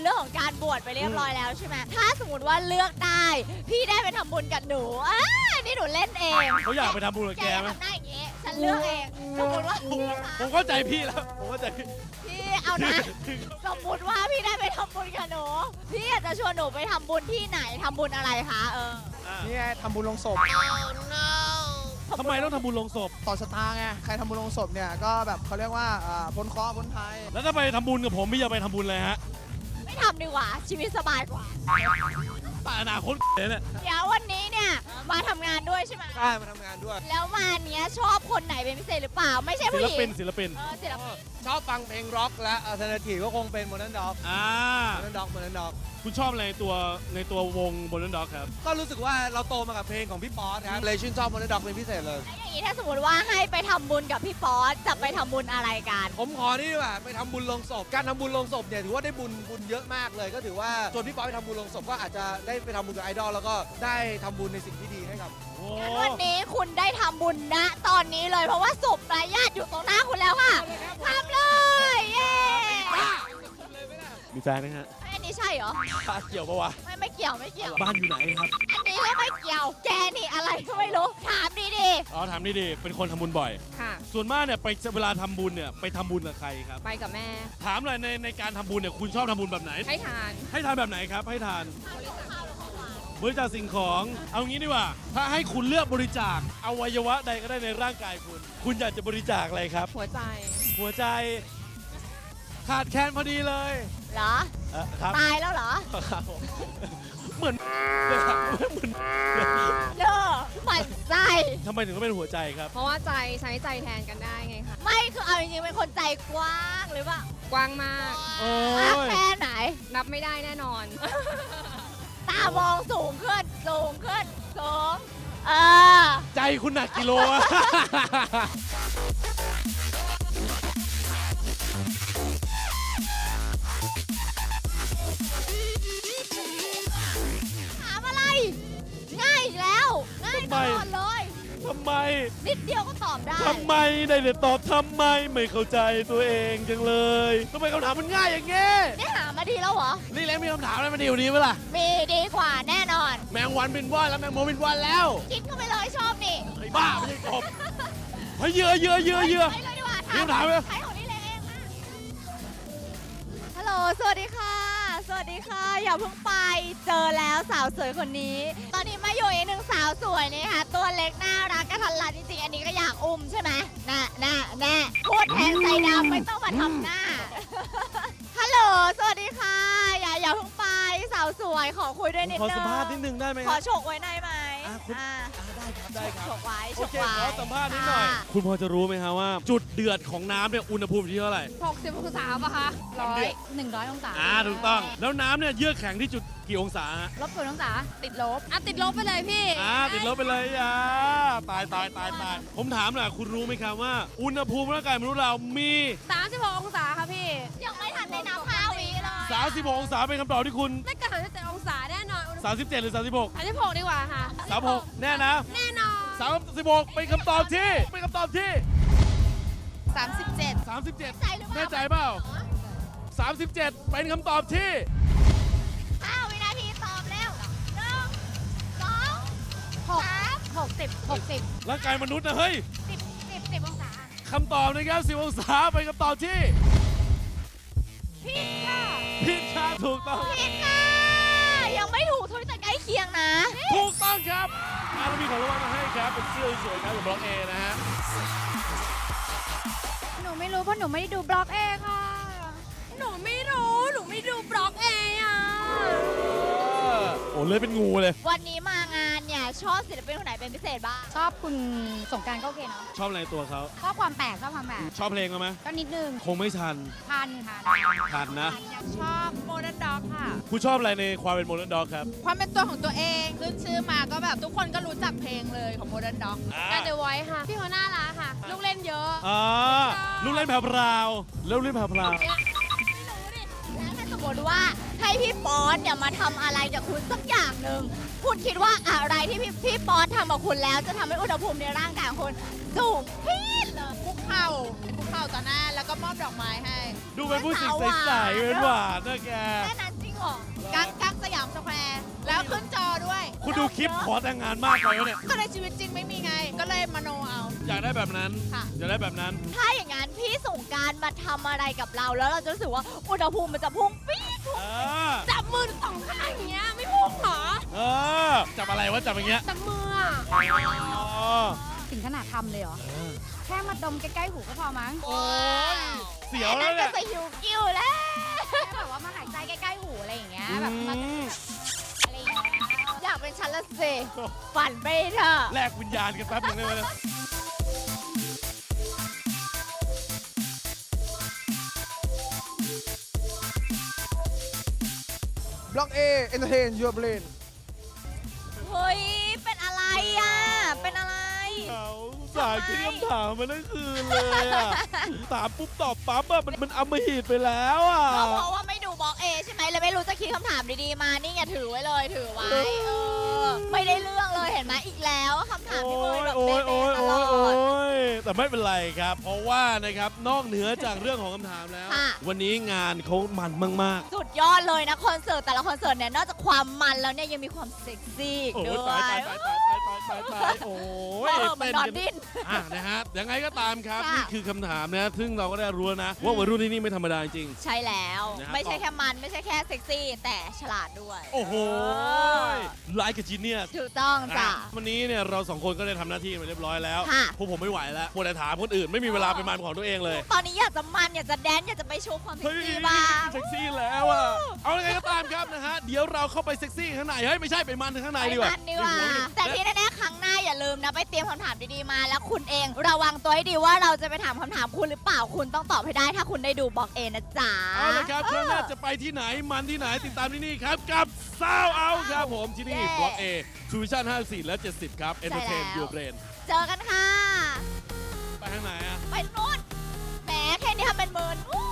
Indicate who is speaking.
Speaker 1: เรื่องของการบวชไปเรียบร้อยแล้วใช่ไหมถ้าสมมติว่าเลือกได้พี่ได้ไปทำบุญกับหนูนี่หนูเล่นเอง
Speaker 2: เขาอยากไปทำบุญกับแกไหม
Speaker 1: ทำได้อย่างงี้ฉันเลือกเองสมมติว่าพี่
Speaker 2: ผมเข้าใจพี่แล้วผมเข้าใจพี่
Speaker 1: พี่เอานะสมมติว่าพี่ได้ไปทำบุญกับหนูพี่อยากจะชวนหนูไปทำบุญที่ไหนทำบุญอะไรคะ
Speaker 3: นี่ไงทำบุญลงศพ
Speaker 2: ทำไมต้องทำบุญลงศพ
Speaker 3: ต่อชะตาไงใครทำบุญลงศพเนี่ยก็แบบเขาเรียกว่าพ้นเคราะห์พ้นภัย
Speaker 2: แล้วถ้าไปทำบุญกับผมพี่จะไปทำบุญอะไรฮะ
Speaker 1: ไม่ทำดีกว่าชีวิตสบายกว่า
Speaker 2: ป่าอนาคตเลยเนี่ย
Speaker 1: เดี๋ยววันนี้เนี่ยมาทำงานด้วยใช่ไหม
Speaker 3: ใช่มาทำงานด้วย
Speaker 1: แล้วมาเนี้ยชอบคนไหนเป็นพิเศษหรือเปล่า ไม่ใช่
Speaker 2: ศิ
Speaker 1: ผู้
Speaker 2: ล
Speaker 1: หญิง
Speaker 2: ปินศิลปิน
Speaker 1: ศิลปิน
Speaker 3: ชอบฟังเพลงร็อกและอัลเทอร์เนทีฟก็คงเป็นโมเดิร์นด็อก
Speaker 2: อ่า
Speaker 3: โมเดิร์นด็อก
Speaker 2: คุณชอบอะไรในตัววงบนนั้นด็อกครับ
Speaker 3: ก็รู้สึกว่าเราโตมากับเพลงของพี่ป๊อตครับเลยชื่นชอบโมเดิร์นด็อกเป็นพิเศษเลย
Speaker 1: แล้วอย่างนี้ถ้าสมมติว่าให้ไปทำบุญกับพี่ป๊อตจะไปทำบุญอะไรกัน
Speaker 3: ผมขอนี่ดีกว่าไปทำบุญลงศพการทำบุญลงศพเนี่ยถือว่าได้บุญเยอะมากเลย ก็ถือว่าชวนพี่ป๊อตไปทำบุญลงศพก็อาจจะได้ไปทำบุญกับไอดอลแล้วก็ได้ทำบุญในสิ่งที่ดีให้กับ
Speaker 2: โอ้
Speaker 1: งั้นวันนี้คุณได้ทำบุญณตอนนี้เลยเพราะว่าศพรายญาติอยู่ตรงหน้าคุณแล้วค่ะทำเลยเย้
Speaker 2: มีแฟนนะฮะ
Speaker 1: อันนี้ใช่เหรอ
Speaker 2: เกี่ยวปะวะ
Speaker 1: ไม่เกี่ยวไม่เกี่ยว
Speaker 2: บ้านอยู่ไหนครับ
Speaker 1: อันนี้ก็ไม่เกี่ยวแกนี่อะไรก็ไม่รู้ถามดี
Speaker 2: อ๋อถามดีๆเป็นคนทำบุญบ่อย
Speaker 4: ค่ะ
Speaker 2: ส่วนมากเนี่ยไปเวลาทำบุญเนี่ยไปทำบุญกับใครครับ
Speaker 4: ไปกับแม่
Speaker 2: ถามหน่อยในการทำบุญเนี่ยคุณชอบทำบุญแบบไหน
Speaker 4: ให้ทาน
Speaker 2: ให้ทานแบบไหนครับให้ทานบริจาคสิ่งของเอางี้ดีกว่า ถ้าให้คุณเลือกบริจาคอวัยวะใดก็ได้ในร่างกายคุณอยากจะบริจาคอะไรครับ
Speaker 4: หัวใจ
Speaker 2: หัวใจขาดแคลนพอดีเลย
Speaker 1: ๆเหรอ
Speaker 2: ครับ
Speaker 1: ตายแล้วเหรอ
Speaker 2: ครับผมเหมือนเลยครับเหมือน
Speaker 1: เด้อหมั่นไส้
Speaker 2: ทำไมถึงต้องเป็นหัวใจครับ
Speaker 4: เพราะว่าใจใช้ใจแทนกันได้ไงคะ
Speaker 1: ไม่คือเอาจริงๆเป็นคนใจกว้างหรือเปล่าก
Speaker 4: ว้างมาก
Speaker 2: โอ้
Speaker 1: มาก
Speaker 2: ย
Speaker 1: แค่ไหน
Speaker 4: นับไม่ได้แน่นอน
Speaker 1: ตามองสูงขึ้นสูงขึ้นสูงอ
Speaker 2: ใจคุณหนักกิโลอะ
Speaker 1: ถามอะไร ง่ายอีกแล้ว ง่ายตลอดเลย
Speaker 2: ทำไม
Speaker 1: นิดเดียวก็ตอบได้
Speaker 2: ทำไมได้แต่ตอบทำไมไม่เข้าใจตัวเองจังเลยทำไมคำถามมันง่ายอย่างเงี้ย
Speaker 1: นี่หามาดีแล้วเหรอ
Speaker 2: นี่แหละมีคำถามอะไรมาดีกว่านี้ไหมล่ะ
Speaker 1: มีดีกว่าแน่นอน
Speaker 2: แมงวันบินว่อนแล้วแมงมุมบินว่อนแล้ว
Speaker 1: กินเข้าไปเลยชอบนี่
Speaker 2: ไอ้บ้าไม่ใช่กบเฮ้ยเหยื่อ
Speaker 1: ไปเลยดีกว่า
Speaker 2: มีคำถามไหม
Speaker 1: ใช้ของนี่เลยเองมาฮัลโหล สวัสดีค่ะ สวัสดีค่ะ อย่าเพิ่งไป เจอแล้วสาวสวยคนนี้ ตอนนี้มาอยู่อีกหนึ่งสาวสวยนี่ค่ะ ตัวเล็กน่ารักกระทันรัดจริงๆ อันนี้ก็อยากอุ้มใช่ไหมแน่พูดแทนใจดำไม่ต้องมาทำหน้า ฮัลโหล สวัสดีค่ะ อย่าเพิ่งไป สาวสวยขอคุยด้วยนิด
Speaker 2: ขอ
Speaker 1: นึง
Speaker 2: สัมภาษณ์นิดนึงได้ไหม
Speaker 1: ข
Speaker 2: ค
Speaker 1: อ
Speaker 2: รับ
Speaker 1: ฉกไว้ในไหม
Speaker 2: ได้ครับ
Speaker 1: ฉกไว้
Speaker 2: โอ
Speaker 1: ฉก
Speaker 2: เค
Speaker 1: ไว้
Speaker 2: ขอสัมภาษณ์นิดหน่อย
Speaker 1: ค่ะ
Speaker 2: คุณพอจะรู้ไหมครับว่า จุดเดือดของน้ำเนี่ยอุณหภูมิที่เท่าไหร่
Speaker 4: 60องศาป่ะคะ100องศา
Speaker 2: ถูกต้อง แล้วน้ำเนี่ยเยือกแข็งที่จุดกี่องศาฮะ
Speaker 4: ลบ0องศา ติดลบติดลบไปเลยพี่
Speaker 2: ติดลบไปเลยตายผมถามหน่อยคุณรู้ไหมครับว่า อุณหภูมิร่างกายมนุษย์เรามี
Speaker 4: 36องศาค่ะพี่
Speaker 1: ยังไม่ทันได้นับ5 วิเลย
Speaker 2: 36องศาเป็นคำตอบที่คุณ
Speaker 4: ไม่เกิน37องศาแน่นอน
Speaker 2: 37 หรือ 36
Speaker 4: 36ดีกว่าค่ะ
Speaker 2: 36 แน่นะ
Speaker 4: แน่นอน
Speaker 2: 36เป็นคำตอบที่
Speaker 1: 37
Speaker 2: 37
Speaker 1: ใจหรือเปล่า
Speaker 2: แน่ใจเปล่า 37 เป็นคำตอบที่
Speaker 1: 5 วินาทีตอบเร็ว1 2 3 60
Speaker 2: ร่างกายมนุษย์นะเฮ้ย
Speaker 1: 10องศา
Speaker 2: คำตอบนะครับ10องศาเป็นคำตอบที่
Speaker 1: ผิดค่ะ
Speaker 2: ผิดครับถูกต้อง
Speaker 1: ผิดค่ะ ยังไม่ถูกทุกแต่ใกล้เคียงนะ
Speaker 2: ถูกต้องครับเรามีของรางวัลมาให้ครับ เป็นเสื้อสวยๆครับจากบล็อกเอนะฮะ
Speaker 4: หนูไม่รู้เพราะหนูไม่ได้ดูบล็อกเองค่ะ หนูไม่ดูบล็อกเองอ่ะ
Speaker 2: โอ้เลยเป็นงูเลย
Speaker 1: วันนี้มางานเนี่ยชอบศิลปินคนไหนเป็นพิเศษบ้าง
Speaker 4: ชอบคุณสงการก็โอเคเนาะ
Speaker 2: ชอบอะไรตัวเขา
Speaker 4: ชอบความแปลกชอบความแปลก
Speaker 2: ชอบเพลงเขาไหม
Speaker 4: ก็นิดนึง
Speaker 2: คงไม่ทัน
Speaker 4: ทันค่ะ
Speaker 2: ทันนะ
Speaker 4: ชอบโมเดิร์นด็อกค่ะ
Speaker 2: คุณชอบอะไรในความเป็นโมเดิร์นด็อกครับ
Speaker 5: ความเป็นตัวของตัวเองขึ้นชื่อมาก็แบบทุกคนก็รู้จักเพลงเลยของ Modern Dog
Speaker 4: การเดอะไวท์ค่ะ พี่เขาน่ารักค่ะ ลูกเล่นเยอะ
Speaker 2: ลูกเล่นแผ่วพราวแล้วลูกเล่นแผ่วพราว
Speaker 1: แล้วถ้าสมมติว่าให้พี่ป๊อตเนี่ยมาทำอะไรกับคุณสักอย่างหนึ่งคุณคิดว่าอะไรที่พี่ป๊อตทำกับคุณแล้วจะทำให้อุณหภูมิในร่างกายของคุณสูงพีดเลย
Speaker 5: คุกเข่าต่อหน้าแล้วก็มอบดอกไม้ให้
Speaker 2: ดูเป็นผู้หญิงใสๆเป็นหวานนะแก
Speaker 1: แค่นั้น
Speaker 5: แล้วขึ้นจอด้วย
Speaker 2: คุณดูคลิปขอแต่งงานมากไปวะเนี่ย
Speaker 5: ก็ในชีวิตจริงไม่มีไง ก็เลยมโนเอา
Speaker 2: อยากได้แบบนั้น
Speaker 5: ค่ะ
Speaker 2: อยากได้แบบนั้น
Speaker 1: ถ้าอย่างนั้นพี่สงกรารมาทำอะไรกับเราแล้วเราจะรู้สึกว่าอุณหภูมิมันจะพุ่งปี๊ด
Speaker 2: เออ
Speaker 4: จับมือสองข้างอย่างเงี้ยไม่พุ่งเหรอ
Speaker 2: เออ จับอะไรวะ จับอย่างเงี้ย
Speaker 4: จับมืออะ
Speaker 2: อ๋อ
Speaker 4: ถึงขนาดทำเลยเหรอ แค่มาดมใกล้ๆหูก็พอมั้ง
Speaker 2: โอ้ยเสียวแล้
Speaker 1: นั่
Speaker 2: วน
Speaker 1: จะ
Speaker 2: เนี่ย
Speaker 1: สยิวกิ้วแล้ว
Speaker 4: แค่แบบว่ามาหายใจใกล้ๆหูอะไรอย่างเงี้ยแบบมา
Speaker 2: อืม
Speaker 4: อะไรอย่างเงี้ย
Speaker 1: อยากเป็นฉันละสิฝันไปเถอะ
Speaker 2: แลกวิญญาณกันแป๊บหนึงได้ไหมเนี่ย
Speaker 3: บล็อก A Entertain Your Brain
Speaker 1: เฮ้ย เป็นอะไรอ่ะ เป็นอะไร
Speaker 2: เขาสายคิดคำถามมาทั้งคืนเลยอ่ะ ถามปุ๊บตอบปั๊บอ่ะมันอำมหิตไปแล้วอ่ะ
Speaker 1: ก็เพราะว่าไม่ดูบล็อกเอใช่ไหมเลยไม่รู้จะคิดคำถามดีๆมา นี่ไงถือไว้เลยถือไว้ไม่ได้เรื่องเลยเห็นไหมอีกแล้วคำถามที่เมย์แบบ
Speaker 2: โอ้
Speaker 1: เป๊
Speaker 2: ย
Speaker 1: ะๆตล
Speaker 2: โอ้
Speaker 1: อย ด
Speaker 2: แต่ไม่เป็นไรครับ เพราะว่านะครับนอกเหนือจากเรื่องของคำถามแล้ว
Speaker 1: ค่ะ
Speaker 2: วันนี้งานเขามันมาก
Speaker 1: สุดยอดเลยนะคอนเสิร์ตแต่ละคอนเสิร์ตเนี่ยนอกจากความมันแล้วเนี่ยยังมีความเซ็กซี่อี
Speaker 2: ๆ โอ้
Speaker 1: กด้
Speaker 2: ย
Speaker 1: วย
Speaker 2: ตายโอ้ย
Speaker 1: มันนอนดิ้น
Speaker 2: อ่ะนะฮะยังไงก็ตามครับ
Speaker 1: ค่ะ
Speaker 2: นี่คือคำถามนะซึ่งเราก็ได้รู้แล้วนะ ว่าวัยรุ่นที่นี่ไม่ธรรมดาจริง
Speaker 1: ใช่แล้ว
Speaker 2: นะครับ
Speaker 1: ไม่ใช่แค่มันไม่ใช่แค่เซ็กซี่ แต่ฉลาดด้วย
Speaker 2: โอ้โหไลค์กับจีเนียส
Speaker 1: ถูกต้องจ้ะ
Speaker 2: วันนี้เนี่ยเราสองคนก็ได้ทำหน้าที่มาเรียบร้อยแล้ว
Speaker 1: ค่ะ
Speaker 2: พวกผมไม่ไหวแล้วควรจะถามคนอื่นไม่มีเวลาเป็นมันของตัวเองเลย
Speaker 1: ตอนนี้อยากจะมันอยากจะแดนซ์อยากจะไปโชว์ความเซ็
Speaker 2: เฮ้
Speaker 1: ก
Speaker 2: ย
Speaker 1: ซี่บ้าง
Speaker 2: เซ็กซี่แล้วอ่ะเอายังไงก็ตามครับนะฮะเดี๋ยวเราเข้าไปเซ็กซี่ข้างในเฮ้ยไม่ใช่ไปมันข้างใน
Speaker 1: ไป
Speaker 2: ดีกว่า
Speaker 1: มันดีกว่า
Speaker 2: เดี๋ยวหัว
Speaker 1: แต่ที่แน่ๆครั้งหน้าอย่าลืมนะไปเตรียมคำถามดีๆมา แล้วคุณเองระวังตัวให้ดีว่าเราจะไปถามคำถามคุณหรือเปล่าคุณต้องตอบให้ได้ถ้าคุณได้ดูบล็อกเอนะจ๊ะ
Speaker 2: เอาละครับครั้งหน้าจะไปที่ไหนมันที่ไหนติดตามที่นี่ครับกับซาวเอาครับผมที่นี่
Speaker 1: เย้
Speaker 2: บล็อกเอทูวิชั่น54 และ 70 ครับ Entertain
Speaker 1: ใช่แล้ว
Speaker 2: Your Brain
Speaker 1: เจอกันค่ะ
Speaker 2: ไปทางไหนอ่ะ
Speaker 1: ไปนู่นแหมแค่นี้ทำเป็นเมินอู้